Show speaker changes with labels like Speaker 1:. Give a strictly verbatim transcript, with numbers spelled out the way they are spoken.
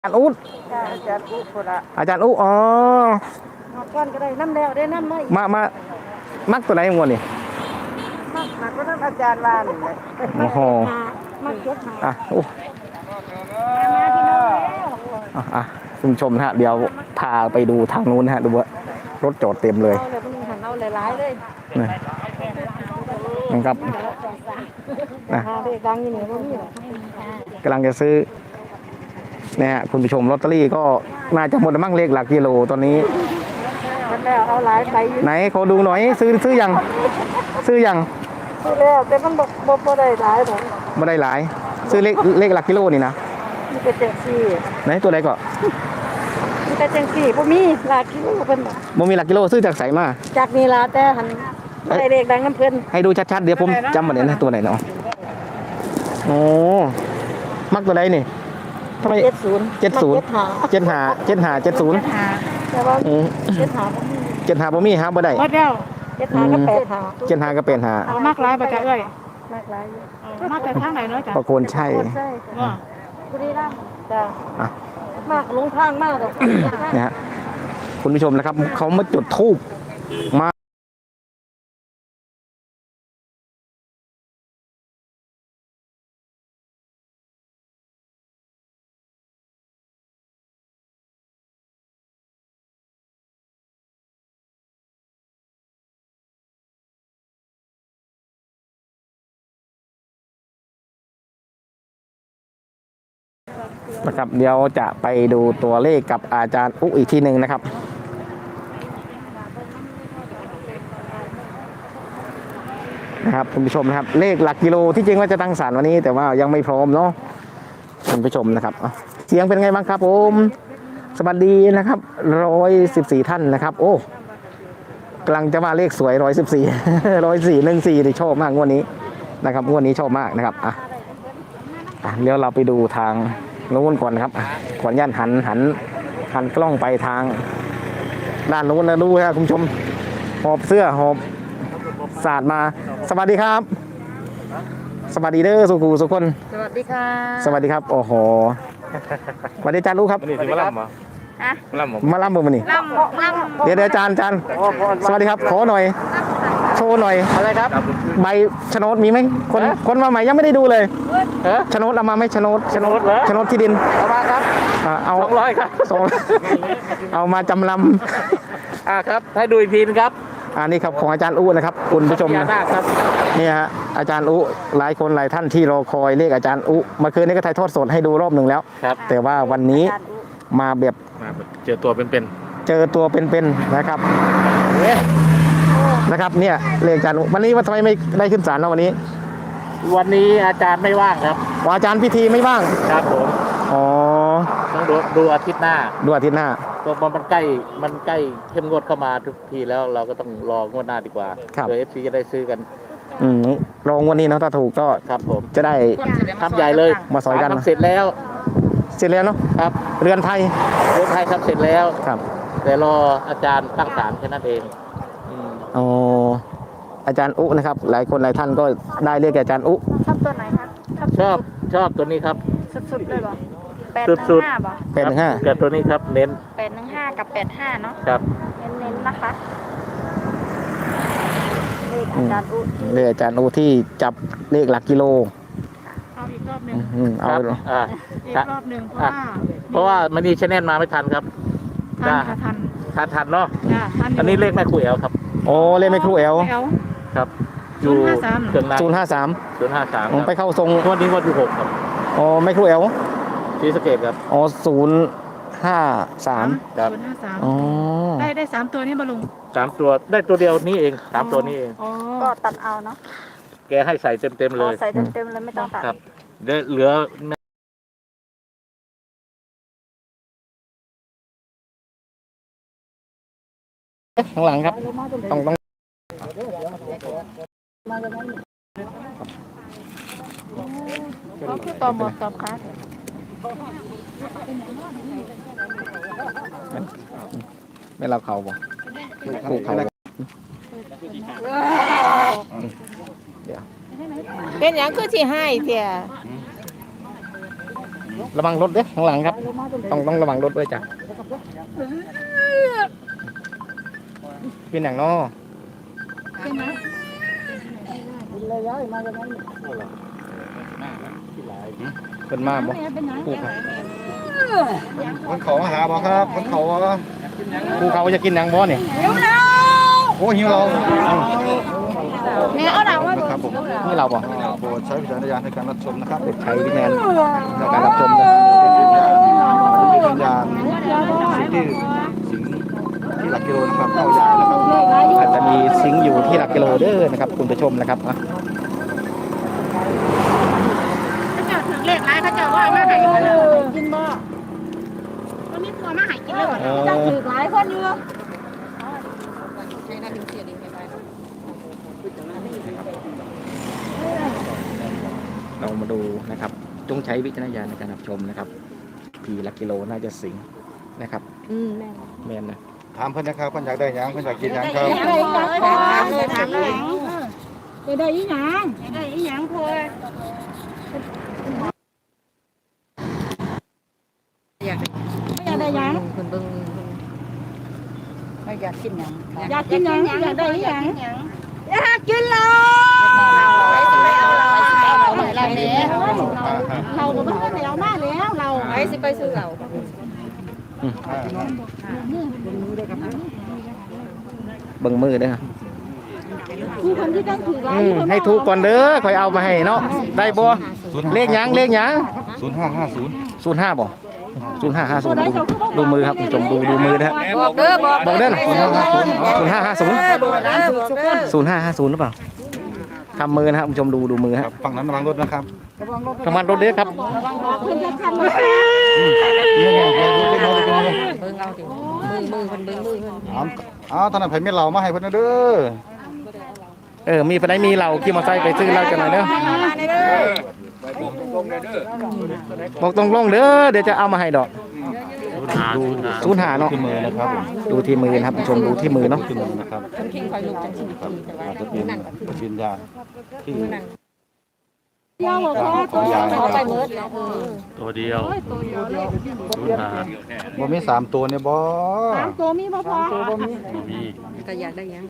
Speaker 1: อาจารย์อุ๊ด
Speaker 2: อาจารย์อุคนละ
Speaker 1: อาจารย์อุ๊อ๋อ
Speaker 2: มาก้อนก็ได้น้ำแล้วได้น้ำมา
Speaker 1: มามามักตัวไหนงวดนี่
Speaker 2: มักมักก็น้ำอาจารย์วานเลย
Speaker 1: โอ้โห
Speaker 2: มักเก็บหา
Speaker 1: อ่ะโอ้
Speaker 2: มาที่น้อง
Speaker 1: อ่ะอ่ะคุณผู้ชมนะฮะเดี๋ยวพาไปดูทางนู้นนะฮะดูว่ารถจอดเต็มเลย
Speaker 2: เอาเลยมันหันเอาหลายๆเลย
Speaker 1: นี่นะครับนะ
Speaker 2: หาเด็กดังอย่างนี้ก็มีหรอก
Speaker 1: กำลังจะซื้อเนี่ยฮะคุณผู้ชมลอตเตอรี่ก็น่าจะหมดมั่งเลขหลักกิโลตอนนี้
Speaker 2: มันแล้วเอาหลายไป
Speaker 1: ไหนขอดูหน่อยซื้อซื้อยังซื้อยัง
Speaker 2: ซื้อแล้วแต่มันบอกบ่ได้หลายหรอก
Speaker 1: ไม่ได้หลายซื้อเลขเลขหลักกิโลนี่นะ
Speaker 2: มีแต่แจกซี่
Speaker 1: ไหนตัวไหนก็
Speaker 2: มีแต่แจกซี่บ่มีหลักกิโลเพิ่น
Speaker 1: บ่มีหลักกิโลซื้อจากไสมา
Speaker 2: จากนี่ล่ะแต่หันบ่ได้เลขดังน้ำเพิ่น
Speaker 1: ให้ดูชัดๆเดี๋ยวผมจำบ่ได้นะตัวไหนเนาะโอ้มักตัวไหนนี่ทำไม
Speaker 2: เจ็ดศูนย์
Speaker 1: เจ็ดศูนย์เจ็ดห้าเจ็ดห้าเจ็ดศูนย์
Speaker 2: แต่ว่าเจ็ดห้าบ่มี
Speaker 1: เจ็ดห้าบ่มีหาบ่ได้
Speaker 2: หมดแล้วเจ็ดห้าก็แปดห้า
Speaker 1: เจ็ดห้าก็เป็นห้า
Speaker 3: เอามากหลายบ่จ้ะเอ้ย
Speaker 2: มากหลาย
Speaker 3: มากแต่ทางไหนเนาะจ้ะ
Speaker 1: ประโคนใช่
Speaker 3: ว่า
Speaker 2: บุรีรัมย์จ้ะมากลงทางมากดอก
Speaker 1: นะฮะคุณผู้ชมนะครับเขามาจุดธูปมานะครับเดี๋ยวจะไปดูตัวเลขกับอาจารย์อุ๊อีกทีหนึ่งนะครับนะครับคุณผู้ชมนะครับเลขหลักกิโลที่จริงว่าจะตั้งศาลวันนี้แต่ว่ายังไม่พร้อมเนาะคุณผู้ชมนะครับเสียงเป็นไงบ้างครับผมสวัสดีนะครับร้อยสิบสี่ท่านนะครับโอ้กำลังจะมาเลขสวยร้อยสิบสี่ร้อยสี่หนึ่งสี่ที่ชอบมากงวดนี้นะครับงวดนี้ชอบมากนะครับอ่ะเดี๋ยวเราไปดูทางนู้นก่อนครับขออนุญาตหันหันหันกล้องไปทางด้านนู้นนะดูครับคุณผู้ชมหอบเสื้อหอบสาดมาสวัสดีครับสวัสดีเด้อสุกูสุคน
Speaker 2: สวัสดีค่ะ
Speaker 1: สวัสดีครับโอ้โหสวัสดีอาจารย์รู้ครับ
Speaker 4: นี่มาล่ำเหรอมาล่ำ
Speaker 1: มาล่ำเบอร์มันนี่
Speaker 2: ล่ำล่ำ
Speaker 1: เดี๋ยวเดี๋ยวอาจารย์อาจารย์สวัสดีครับขอหน่อยโชว์หน่อย
Speaker 4: อะไรครับ
Speaker 1: ใบโฉนดมีไหมคนคนมาใหม่ยังไม่ได้ดูเลยโฉนดเอามาไหมโฉนดโฉนดโฉนดที่ดิน
Speaker 4: เอามาครับ
Speaker 1: เอา
Speaker 4: สองร้อยครับ
Speaker 1: สองเอามาจำลำ
Speaker 4: อ่าครับให้ดูอีกทีนะครับ
Speaker 1: อันนี้ครับของอาจารย์อู้นะครับคุณผู้ชม
Speaker 4: นะครับ
Speaker 1: นี่ฮะอาจารย์อู้หลายคนหลายท่านที่รอคอยเลขอาจารย์อู้เมื่อคืนนี้ก็ถ่ายทอดสดให้ดูรอบหนึ่งแล้วแต่ว่าวันนี้มาแบบ
Speaker 4: เจอตัวเป็น
Speaker 1: ๆเจอตัวเป็นๆนะครับนะครับเนี่ยเลขอาจารย์วันนี้ว่าทำไมไม่ได้ขึ้นศาลเนาะวันนี้
Speaker 4: วันนี้อาจารย์ไม่ว่างครับ
Speaker 1: อาจารย์พิธีไม่ว่าง
Speaker 4: ครับผม
Speaker 1: อ๋อ
Speaker 4: ต้องดูดูอาทิตย์หน้า
Speaker 1: ดูอาทิตย์หน้า
Speaker 4: ตัวมันใกล้มันใกล้เข้มงวดเข้ามาทุกทีแล้วเราก็ต้องรองวดหน้าดีกว่าเพื่อเอฟซีจะได้ซื้อกัน
Speaker 1: อืมรองวันนี้เนาะถ้าถูกก็
Speaker 4: ครับผม
Speaker 1: จะได้
Speaker 4: ทำใหญ่เลย
Speaker 1: มาสอยกัน
Speaker 4: เสร็จแล้ว
Speaker 1: เสร็จแล้วเนาะ
Speaker 4: ครับ
Speaker 1: เรือนไทย
Speaker 4: เรือนไทยทำเสร็จแล้ว
Speaker 1: ครับ
Speaker 4: แต่รออาจารย์ตั้งศาลแค่นั้นเอง
Speaker 1: อ๋ออาจารย์อุนะครับหลายคนหลายท่านก็ได้เรียกอาจารย์อุ
Speaker 2: ชอบตัวไหนครับ
Speaker 4: ชอบชอบตัวนี้ครับ
Speaker 2: สุดๆเลยบ่แปดหนึ่งห้าบ่
Speaker 1: แปดหนึ่งห้า
Speaker 4: กับตัวนี้ครับเน้น
Speaker 2: แปดหนึ่งห้ากับแปดห้าเนาะ
Speaker 4: ครับ
Speaker 2: เน้นๆนะคะเลขอาจารย์อุ
Speaker 1: เลขอาจารย์อุที่จับเลขหลักกิโล
Speaker 3: เอาอีกรอบหนึ่ง
Speaker 1: เอา
Speaker 4: อ่า
Speaker 3: อีกรอบหนึ่งเพราะว่า
Speaker 4: เพราะว่ามันนี่ชแนลมาไม่ทันครับ
Speaker 3: ทันทัน
Speaker 4: ทันทันเนาะ
Speaker 3: อั
Speaker 4: นนี้เลขแม่คุยเอลครับ
Speaker 1: โอ้เลขแม่ครูเอล
Speaker 4: ครับอยู่
Speaker 1: เครื่องศูนย์ห้าสาม
Speaker 4: ศูนย์ห้าสาม
Speaker 1: ไปเข้าทรง
Speaker 4: วันนี้วันที่หกครับ
Speaker 1: อ๋อแม่ครูเอล
Speaker 4: ที่สเกตครับ
Speaker 1: อ๋อศูนย์ห้าสาม
Speaker 4: ครับ
Speaker 3: ศูนย์ห้าสาม
Speaker 1: อ๋อ
Speaker 3: ได้ได้สามตัวนี้มาลุง
Speaker 4: สามตัวได้ตัวเดียวนี้เองสามตัวนี้เอง
Speaker 2: ก็ตัดเอาเนาะ
Speaker 4: แกให้ใส่เต็มเต็มเลย
Speaker 2: ใส่เต็มเต็มเลยไม่ต้องตัด
Speaker 4: ครับเหลือ
Speaker 1: ข้างหลังครับต้องต้อง
Speaker 2: เขาคือต่อหมดต่อคัส
Speaker 1: ไม่เราเขาบ่ถูกเขา
Speaker 2: เป็นอย่างคือที่ให้เถี่ย
Speaker 1: ระวังรถเด้อข้างหลังครับ ต้องต้องระวังรถด้วยจ้ะเป็นอย่างนอ
Speaker 3: เป็นไหม
Speaker 1: เป็นมาบ่
Speaker 3: เป็นไหน
Speaker 1: ปูครับ
Speaker 5: คนเขามาหาบ่ครับคนเขาบ่
Speaker 1: ปูเขาจะกินอย่างบ่เนี่ย
Speaker 5: โอ้หิวเรา
Speaker 3: แม่เอาหนังว่า
Speaker 5: ครับผม
Speaker 1: นี่เราบ่
Speaker 5: โปรดใช้วิจารณญาณในการรับชมนะครับ
Speaker 1: ใช้วิญญาณในการรับชมนะ
Speaker 5: เป็นวิญญาณสิ่งที่สิงที่หลักกิโลนะครับเข้ายานะครับ
Speaker 1: อาจจะมีซิงค์อยู่ที่หลักกิโลเด้อนะครับคุณผู้ชมนะครับอ่ะ
Speaker 3: เขาจะถึงเลขร้ายเขาจะว่ามาหายกินบ่วันนี้ตัวมาหายกินเลย
Speaker 1: เออ
Speaker 2: ถือหลายคนอยู่
Speaker 1: เรามาดูนะครับ จงใช้วิจารณญาณในการรับชมนะครับผีหลักกิโลน่าจะสิงนะครับ
Speaker 2: อืมแม่
Speaker 1: แมนนะ
Speaker 5: ถามเพิ่นนะครับเพิ่นอยากได้หยังเพิ่นอยากกินหยังครับ
Speaker 2: ได้ยังถามเลยถามเลย
Speaker 3: จะได้อีหยังได้อีหยังพอ
Speaker 2: อยาก
Speaker 3: ไม่อยากได้หยัง
Speaker 2: คนเบิ่งไม่อยากกินหยัง
Speaker 3: อยากกินหยังอยากได้อีหยัง
Speaker 2: อยากกินเราไปเอาเราไปเอาเราอะไรเนี่ย
Speaker 3: เราก็ไม่ได้เอามาแล้วเรา
Speaker 2: ไปสิไปซื้อเรา
Speaker 1: เบิ่งมือเด้อ
Speaker 3: มีคนที่ต้องถือร้าย
Speaker 1: อืมให้ถูกก่อนเด้อค่อยเอามาให้เนาะได้บ่เลขหยังเลขหยัง
Speaker 5: ศูนย์ห้าห้าศูนย์
Speaker 1: ศูนย์ห้าบ่ศูนย์ห้าห้าศูนย์ดูมือครับคุณผู้ชมดูดูมือนะฮะ
Speaker 2: บอกเด้อบอก
Speaker 1: บอกเด้อศูนย์ห้าห้าศูนย์ศูนย์ห้าห้าศูนย์
Speaker 2: บอกเด้อบอกเด้อ
Speaker 1: ศูนย์ห้าห้าศูนย์หรือเปล่าทำมือนะครับคุณผู้ชมดูดูมือ
Speaker 5: ค
Speaker 1: ฮะ
Speaker 5: รับฝั่งนั้นระวังรถนะครับ
Speaker 1: ทำมันรถเด้อครับ
Speaker 3: คุณจะทำอะไร
Speaker 2: เบิ่งเอาดิมือมือคนเบิ่งมือคน
Speaker 5: อ้าวอ้าวท่านนายไผมีเหล่ามาให้เพิ่นนะเด้อ
Speaker 1: เออมีไปไหนมีเราขี่มอเตอร์ไซค์ไปซื้อเหล้ากันหน่อยเด้อบอกตรงลงเด้อเดี๋ยวจะเอามาให้ดอกดูศูนย์ห้าเนาะ
Speaker 5: ที่มือนะครับผม
Speaker 1: ดูที่มือนะครับคุณผู้ชมดูที่มือเนาะ
Speaker 5: ที่มือนะครับ
Speaker 2: คนคิงคอยลุกจังสิทีแต่ว่า
Speaker 5: อาจจะเป็นวิญญาณที่
Speaker 3: เดียวบอกว่า
Speaker 5: ของยาย
Speaker 2: เขาไปเมิดแล้ว
Speaker 6: ตัวเดียวศูนย์หา
Speaker 5: บ่มีสามตัวเนี่ยบ่
Speaker 3: สามตัวมีบ่พอ
Speaker 6: มี
Speaker 2: ก็อยากได้ยัง